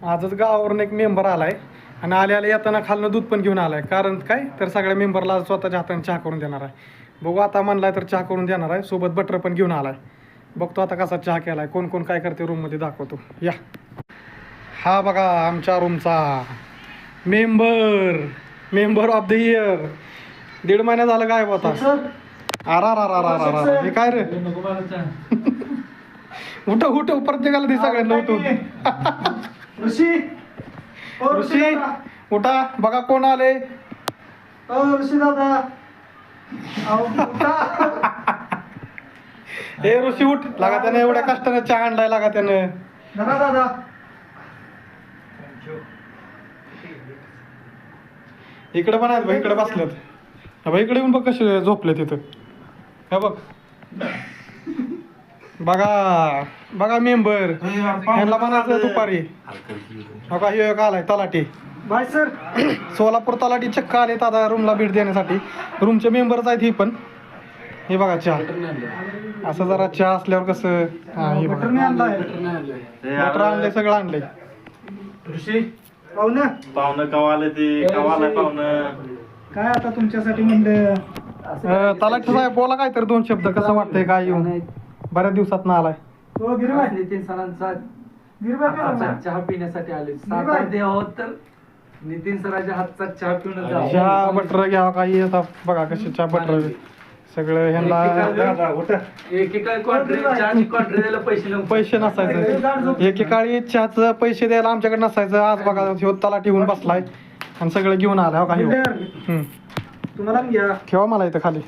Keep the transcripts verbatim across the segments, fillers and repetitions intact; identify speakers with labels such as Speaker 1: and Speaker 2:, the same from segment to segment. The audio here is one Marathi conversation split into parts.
Speaker 1: आजच गावावरून एक मेंबर आलाय आणि आले आले येताना खालनं दूध पण घेऊन आलाय. कारण काय तर सगळ्या मेंबरला स्वतःच्या हाताने चहा करून देणार आहे. बघू आता म्हणलाय तर चहा करून देणार आहे. सोबत बटर पण घेऊन आलाय. बघतो आता कसा चहा केलाय, कोण कोण काय करते रूममध्ये दाखवतो. या हा बघा आमच्या रूमचा member member of the year. दीड महिना झालं गायब होता. आरा रा रा रा रा हे काय रे? उठ उठ प्रत्येकाला दे सगळ्यांना उठून.
Speaker 2: ऋषी
Speaker 1: ऋषी उठा बघा कोण आले.
Speaker 2: ऋषी दादा
Speaker 1: ए ऋषी उठ लागा त्यानं एवढ्या कष्टानं चहा आणलाय लागा त्यानं.
Speaker 2: दादा दादा
Speaker 1: इकडे पण आहेत इकडे बसल्यात. भाई इकडे येऊन बघ कसे झोपले तिथं. हे बघ बघा बघा मेंबर ह्यांना म्हणायचं दुपारी. बघा हे एक आलाय तलाठी.
Speaker 2: Bye sir.
Speaker 1: सोलापूर तलाठी चक्क आले दादा रूमला भेट देण्यासाठी. रूमचे मेंबरच आहेत ही पण. हे बघा चहा असं जरा चहा असल्यावर कसं. हा हे बघा बटर आणलंय सगळं आणलंय.
Speaker 2: ऋषी पाहुणं
Speaker 3: पाहुणं कवा आलं ते कवा आलाय पाहुणं.
Speaker 2: काय आता तुमच्यासाठी म्हणलं.
Speaker 1: तलाठी साहेब बोला काय तर दोन शब्द. कसं वाटतंय काय येऊन बऱ्याच दिवसात ना आलाय.
Speaker 2: हो गिरबाय
Speaker 4: नितीन सरांचा
Speaker 2: गिरबाय
Speaker 4: चहा पिण्यासाठी आले. सातारा देव आहोत तर नितीन सरांच्या हातचा चहा पिऊन जाऊ.
Speaker 1: चहा बटर घ्या काही आता बघा कसे चहा बटर सगळं ह्यांना.
Speaker 4: एकेका क्वार्टर चहाची क्वार्टर द्यायला पैसे नव्हते.
Speaker 1: पैसे नसायचं एकेकाळी चहाचं पैसे द्यायला आमच्याकडे नसायचं. आज बघा ह्यो तलाठी होऊन बसलाय आणि सगळं घेऊन आलाय. हो का ह्यो. हम्म.
Speaker 2: तुम्हाला घ्या
Speaker 1: ठेवा मला इथं खाली.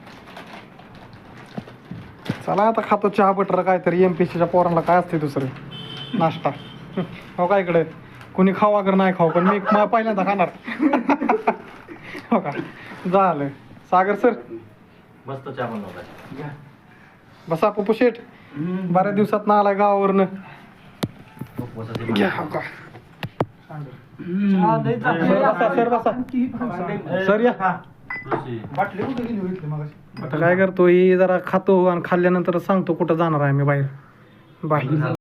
Speaker 1: चला आता खातो चहा बटर काहीतरी. एम पी सीच्या पोरांना काय असते दुसरं नाश्ता. हो का इकडे कोणी खाऊ अगर नाही खाऊ पण मी म- पहिल्यांदा खाणार. हो का झालं. सागर सर
Speaker 3: मस्त चहा बनवलाय.
Speaker 1: बसा पप्पू शेठ. बऱ्याच दिवसात ना आलाय गावावरनं. घ्या हो का सर बसा सर बसा सर या.
Speaker 2: बाटली कुठे गेली होती मग.
Speaker 1: आता काय करतो ही जरा खातो आणि खाल्ल्यानंतर सांगतो कुठं जाणार आहे मी बाहेर. बाय.